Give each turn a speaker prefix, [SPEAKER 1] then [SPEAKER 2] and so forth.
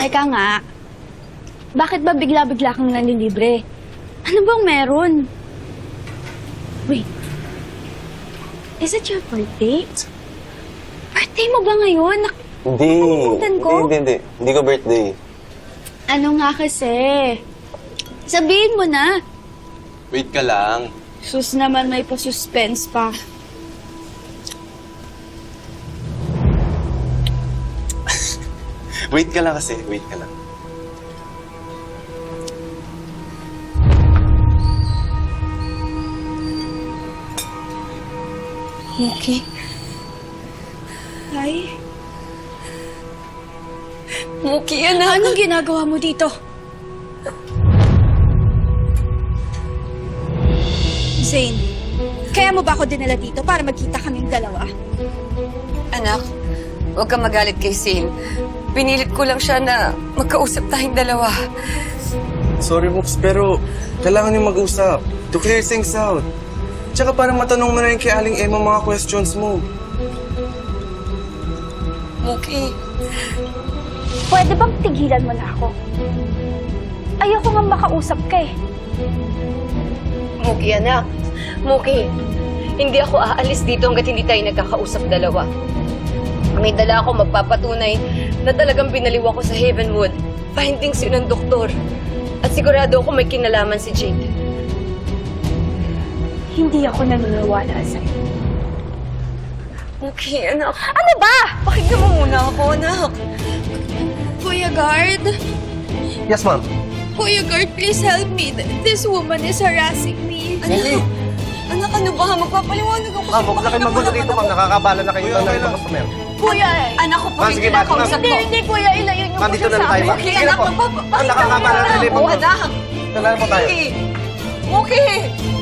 [SPEAKER 1] Teka nga, bakit ba bigla-bigla kang nanlilibre? Ano bang meron? Wait, is it your birthday? Birthday mo ba ngayon?
[SPEAKER 2] Hindi.
[SPEAKER 1] Nakalimutan ko?
[SPEAKER 2] Hindi. Hindi ko birthday.
[SPEAKER 1] Ano nga kasi? Sabihin mo na.
[SPEAKER 2] Wait ka lang.
[SPEAKER 1] Sus naman, may pa-suspense pa.
[SPEAKER 2] Wait ka lang kasi. Wait ka lang.
[SPEAKER 1] Okay. Ay. Muki, anak. Anong ginagawa mo dito? Zane, kaya mo ba ako dinala dito para magkita kaming dalawa?
[SPEAKER 3] Anak, huwag kang magalit kay Zane. Pinilit ko lang siya na magkausap tayong dalawa.
[SPEAKER 2] Sorry, Mooks, pero kailangan yung mag-usap. To clear things out. Tsaka para matanong mo na rin kay Aling Emma mga questions mo.
[SPEAKER 3] Muki,
[SPEAKER 1] Pwede bang tigilan mo na ako? Ayoko nga makausap ka eh.
[SPEAKER 3] Muki anak. Muki, hindi ako aalis dito hanggat hindi tayo nagkakausap dalawa. May dala ako magpapatunay na talagang binaliw ako sa Heavenwood. Findings yun ng doktor. At sigurado ako may kinalaman si Jake.
[SPEAKER 1] Hindi ako naniniwala sa'yo.
[SPEAKER 3] Muki, anak.
[SPEAKER 1] Ano ba?
[SPEAKER 3] Pakinggan mo muna ako, anak.
[SPEAKER 1] Kuya Guard?
[SPEAKER 2] Yes, ma'am.
[SPEAKER 1] Kuya Guard, please help me. This woman is harassing me.
[SPEAKER 3] Anak, ano ba? Magpapaliwanag ako.
[SPEAKER 4] Ma'am, huwag na kayo magulo dito, ma'am. Nakakabala na kayo ng mga customer.
[SPEAKER 1] Kuya,
[SPEAKER 3] Anak ko,
[SPEAKER 4] Ma'am, sige, ma'am.
[SPEAKER 3] kausap ko.
[SPEAKER 1] hindi, kuya, ilayo niyo
[SPEAKER 4] Ma'am, dito na lang tayo, ma'am.
[SPEAKER 3] Muki,
[SPEAKER 4] Sige na
[SPEAKER 3] anak,
[SPEAKER 4] po. Ang nakakabala na rin po.
[SPEAKER 3] anak.
[SPEAKER 4] Dala na po tayo.
[SPEAKER 3] Muki! Muki!